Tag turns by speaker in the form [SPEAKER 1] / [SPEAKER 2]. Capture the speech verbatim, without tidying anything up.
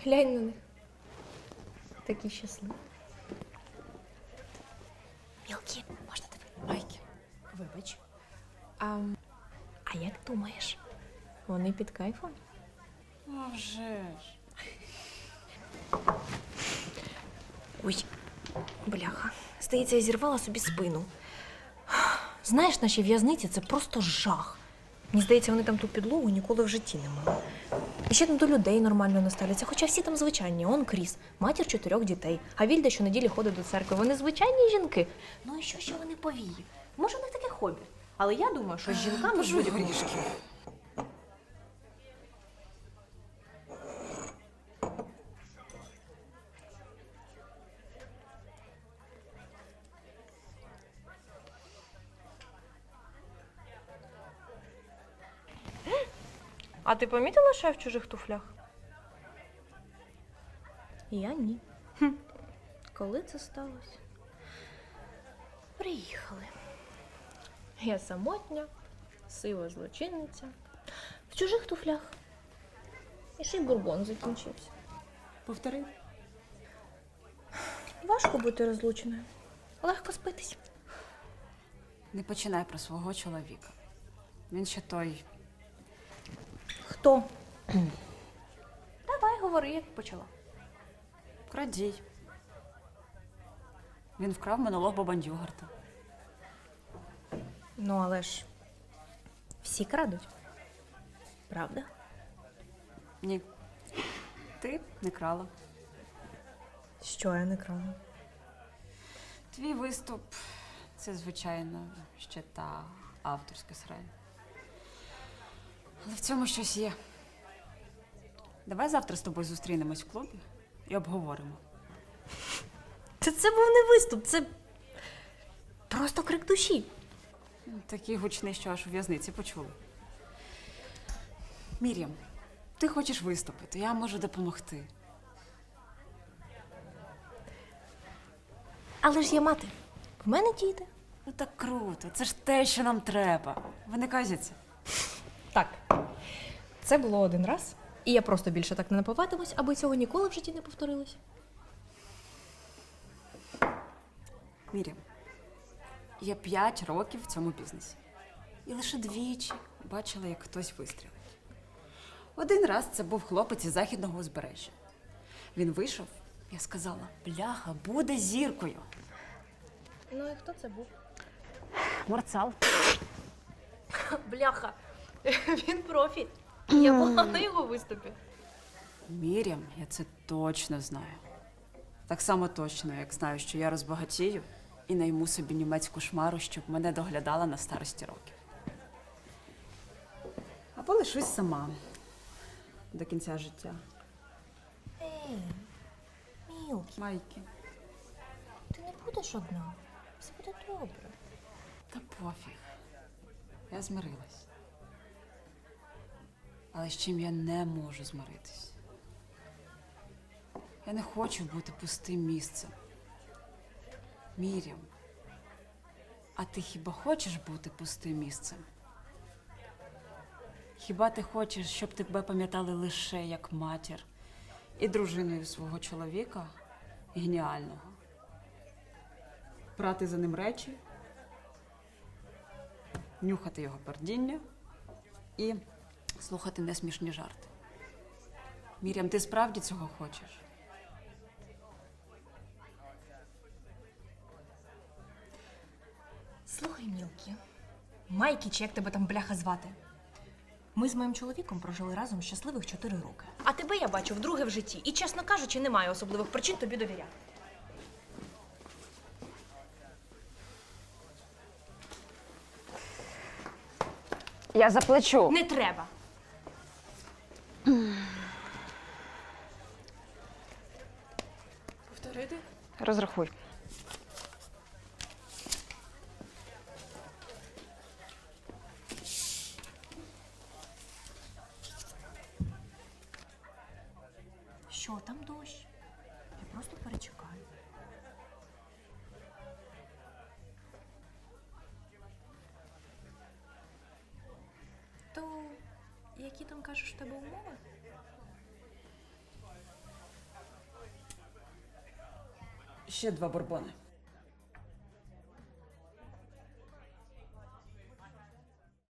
[SPEAKER 1] Глянь на них. Такі щасливі. Мілкі, можна тебе?
[SPEAKER 2] Майки, вибач.
[SPEAKER 1] А, а як думаєш, вони під кайфом?
[SPEAKER 2] А вже ж.
[SPEAKER 1] Ой, бляха. Здається, я зірвала собі спину. Знаєш, наші в'язниці – це просто жах. Мені здається, вони там ту підлогу ніколи в житті не мали. І ще там до людей нормально не ставляться, хоча всі там звичайні. Он Кріс, матір чотирьох дітей, а Вільда щонеділі ходить до церкви. Вони звичайні жінки. Ну і що ще вони повії? Може, в них таке хобі. Але я думаю, що з жінками
[SPEAKER 2] Пожуй
[SPEAKER 1] будь-якому...
[SPEAKER 2] горішки.
[SPEAKER 1] А ти помітила, що я в чужих туфлях? Я ні. Хм. Коли це сталося? Приїхали. Я самотня, сива злочинниця, в чужих туфлях. І ще й бурбон закінчився.
[SPEAKER 2] Повтори.
[SPEAKER 1] Важко бути розлученою. Легко спитись.
[SPEAKER 2] Не починай про свого чоловіка. Він ще той.
[SPEAKER 1] Хто? Давай, говори, як почала.
[SPEAKER 2] Крадій. Він вкрав монолог Бабандюгарта.
[SPEAKER 1] Ну, але ж всі крадуть. Правда?
[SPEAKER 2] Ні. Ти не крала.
[SPEAKER 1] Що я не крала?
[SPEAKER 2] Твій виступ – це, звичайно, ще та авторська срань. Але в цьому щось є. Давай завтра з тобою зустрінемось в клубі і обговоримо.
[SPEAKER 1] Це, це був не виступ, це просто крик душі.
[SPEAKER 2] Такий гучний, що аж у в'язниці почули. Мір'ям, ти хочеш виступити, я можу допомогти.
[SPEAKER 1] Але ж є мати. В мене діти.
[SPEAKER 2] Ну так круто, це ж те, що нам треба. Ви не казяться?
[SPEAKER 1] Так, це було один раз. І я просто більше так не напиватимусь, аби цього ніколи в житті не повторилось.
[SPEAKER 2] Мір'ям, я п'ять років в цьому бізнесі. І лише двічі бачила, як хтось вистрілить. Один раз це був хлопець із західного узбережжя. Він вийшов, я сказала, бляха, буде зіркою.
[SPEAKER 1] Ну і хто це був?
[SPEAKER 2] Мурцал.
[SPEAKER 1] Бляха, він профі. Я була на його виступі.
[SPEAKER 2] Мір'ям, я це точно знаю. Так само точно, як знаю, що я розбагатію і найму собі німецьку шмару, щоб мене доглядала на старості років. Або лишусь сама до кінця життя.
[SPEAKER 1] Ей, Мілкі,
[SPEAKER 2] Майки.
[SPEAKER 1] ти не будеш одна. Все буде добре.
[SPEAKER 2] Та пофіг. Я змирилась. Але з чим я не можу змиритись? Я не хочу бути пустим місцем. Мір'ям, а ти хіба хочеш бути пустим місцем? Хіба ти хочеш, щоб тебе пам'ятали лише як матір і дружиною свого чоловіка геніального? Прати за ним речі, нюхати його пердіння і слухати несмішні жарти. Мір'ям, ти справді цього хочеш?
[SPEAKER 1] Слухай, Мілкі, Майкі, чи як тебе там бляха звати? Ми з моїм чоловіком прожили разом щасливих чотири роки. А тебе я бачу вдруге в житті. І, чесно кажучи, немає особливих причин тобі довіряти.
[SPEAKER 2] Я заплачу.
[SPEAKER 1] Не треба.
[SPEAKER 3] Повторити?
[SPEAKER 2] Розрахуй.
[SPEAKER 1] Що, там дощ? Я просто перечекаю. То які там кажеш в тебе умови?
[SPEAKER 2] Ще два бурбони.